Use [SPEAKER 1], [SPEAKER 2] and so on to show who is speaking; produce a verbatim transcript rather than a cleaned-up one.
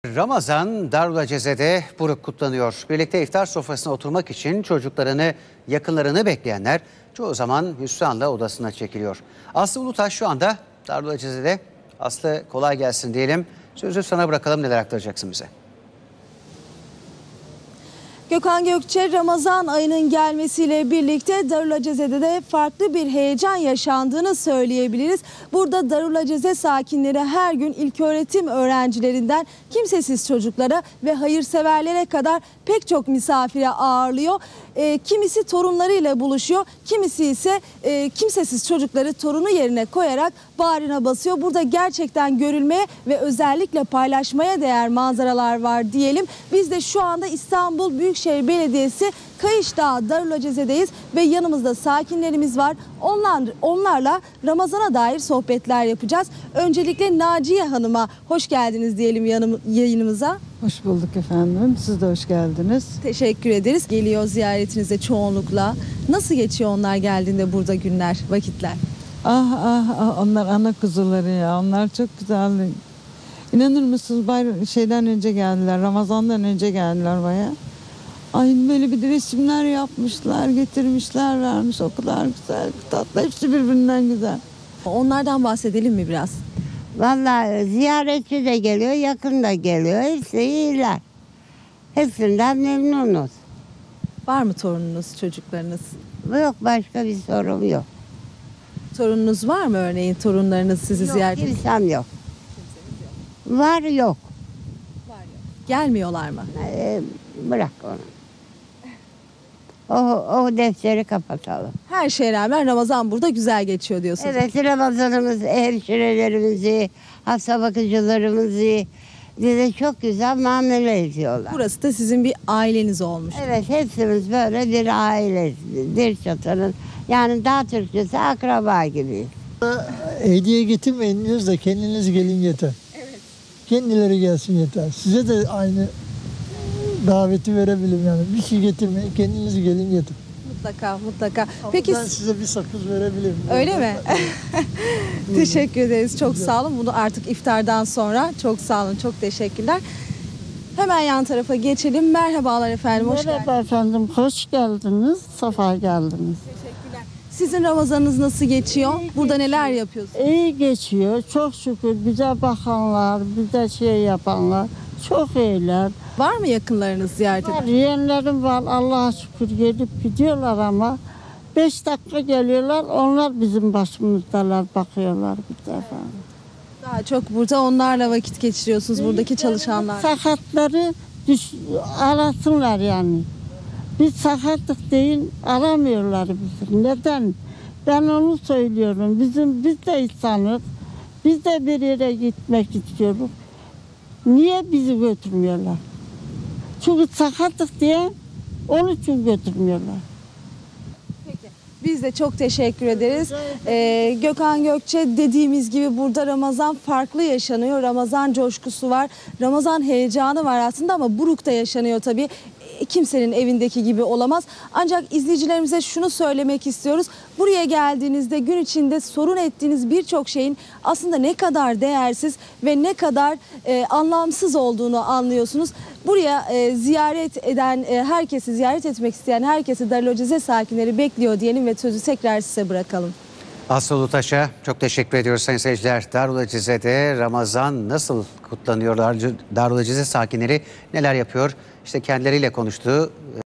[SPEAKER 1] Ramazan Darülaceze'de buruk kutlanıyor. Birlikte iftar sofrasına oturmak için çocuklarını, yakınlarını bekleyenler çoğu zaman hüsranla odasına çekiliyor. Aslı Ulutaş şu anda Darülaceze'de. Aslı, kolay gelsin diyelim. Sözü sana bırakalım, neler aktaracaksın bize?
[SPEAKER 2] Gökhan Gökçe, Ramazan ayının gelmesiyle birlikte Darülaceze'de de farklı bir heyecan yaşandığını söyleyebiliriz. Burada Darülaceze sakinleri her gün ilköğretim öğrencilerinden kimsesiz çocuklara ve hayırseverlere kadar pek çok misafire ağırlıyor. E, kimisi torunlarıyla buluşuyor, kimisi ise e, kimsesiz çocukları torunu yerine koyarak bağrına basıyor. Burada gerçekten görülmeye ve özellikle paylaşmaya değer manzaralar var diyelim. Biz de şu anda İstanbul Büyükşehir Belediyesi Kayışdağ Darülaceze'deyiz ve yanımızda sakinlerimiz var. Onlar, onlarla Ramazan'a dair sohbetler yapacağız. Öncelikle Naciye Hanım'a hoş geldiniz diyelim yanım, yayınımıza.
[SPEAKER 3] Hoş bulduk efendim. Siz de hoş geldiniz.
[SPEAKER 2] Teşekkür ederiz. Geliyor ziyaretinize çoğunlukla. Nasıl geçiyor onlar geldiğinde burada günler, vakitler?
[SPEAKER 3] Ah ah ah, onlar ana kuzuları ya. Onlar çok güzel. İnanır mısınız, bayram şeyden önce geldiler. Ramazan'dan önce geldiler baya. Ay, böyle bir de resimler yapmışlar, getirmişler, vermiş. O kadar güzel, tatlı. Hepsi birbirinden güzel.
[SPEAKER 2] Onlardan bahsedelim mi biraz?
[SPEAKER 4] Vallahi ziyaretçi de geliyor, yakın da geliyor. Hepsi iyiler. Hepsinden memnunuz.
[SPEAKER 2] Var mı torununuz, çocuklarınız?
[SPEAKER 4] Yok, başka bir sorun yok.
[SPEAKER 2] Torununuz var mı örneğin, torunlarınız sizi
[SPEAKER 4] Yok,
[SPEAKER 2] ziyaret ediyor?
[SPEAKER 4] kimsem yok. Var yok.
[SPEAKER 2] Gelmiyorlar mı?
[SPEAKER 4] Ee, bırak onu. O, o defteri kapatalım.
[SPEAKER 2] Her şeye rağmen Ramazan burada güzel geçiyor diyorsunuz.
[SPEAKER 4] Evet, Ramazanımız, hemşirelerimizi, hasta bakıcılarımızı bize çok güzel muamele ediyorlar.
[SPEAKER 2] Burası da sizin bir aileniz olmuş.
[SPEAKER 4] Evet, hepsimiz böyle bir aile, bir çatının. Yani daha Türkçesi akraba gibiyiz.
[SPEAKER 5] Hediye getirmeyin diyoruz da kendiniz gelin yeter. Evet. Kendileri gelsin yeter. Size de aynı daveti verebilirim yani. Bir şey getirmeyin, kendiniz gelin yeter.
[SPEAKER 2] Mutlaka mutlaka.
[SPEAKER 5] Ama
[SPEAKER 2] Peki
[SPEAKER 5] ben size bir sakız verebilirim.
[SPEAKER 2] öyle mi? Teşekkür ederiz. Çok sağ olun. Bunu artık iftardan sonra çok sağ olun. Çok teşekkürler. Hemen yan tarafa geçelim. Merhabalar efendim. Hoş
[SPEAKER 6] Merhaba
[SPEAKER 2] geldiniz.
[SPEAKER 6] efendim, hoş geldiniz, safa geldiniz.
[SPEAKER 2] Teşekkürler. Sizin Ramazanınız nasıl geçiyor? Burada neler yapıyorsunuz?
[SPEAKER 6] İyi geçiyor, çok şükür. Bize bakanlar, bize şey yapanlar çok iyiler.
[SPEAKER 2] Var mı yakınlarınız ziyaret
[SPEAKER 6] Var,
[SPEAKER 2] eden?
[SPEAKER 6] yeğenlerim var, Allah'a şükür gelip gidiyorlar ama beş dakika geliyorlar, onlar bizim başımızdalar, bakıyorlar bir defa.
[SPEAKER 2] Daha çok burada onlarla vakit geçiriyorsunuz, buradaki çalışanlar.
[SPEAKER 6] Sakatları düş, arasınlar yani. Biz sakatlık değil, aramıyorlar bizi. Neden? Ben onu söylüyorum. Bizim biz de insanız. Biz de bir yere gitmek istiyoruz. Niye bizi götürmüyorlar? Çünkü sakatlık diye onun için götürmüyorlar.
[SPEAKER 2] Biz de çok teşekkür ederiz. Ee, Gökhan Gökçe, dediğimiz gibi burada Ramazan farklı yaşanıyor. Ramazan coşkusu var. Ramazan heyecanı var aslında ama burukta yaşanıyor tabii. E, Kimsenin evindeki gibi olamaz. Ancak izleyicilerimize şunu söylemek istiyoruz. Buraya geldiğinizde gün içinde sorun ettiğiniz birçok şeyin aslında ne kadar değersiz ve ne kadar e, anlamsız olduğunu anlıyorsunuz. Buraya e, ziyaret eden, e, herkesi ziyaret etmek isteyen herkesi Darülaceze sakinleri bekliyor diyelim ve sözü tekrar size bırakalım.
[SPEAKER 1] Aslı Ulutaş'a çok teşekkür ediyoruz sayın seyirciler. Darülaceze'de Ramazan nasıl kutlanıyorlar? Darülaceze sakinleri neler yapıyor? İşte kendileriyle konuştuğu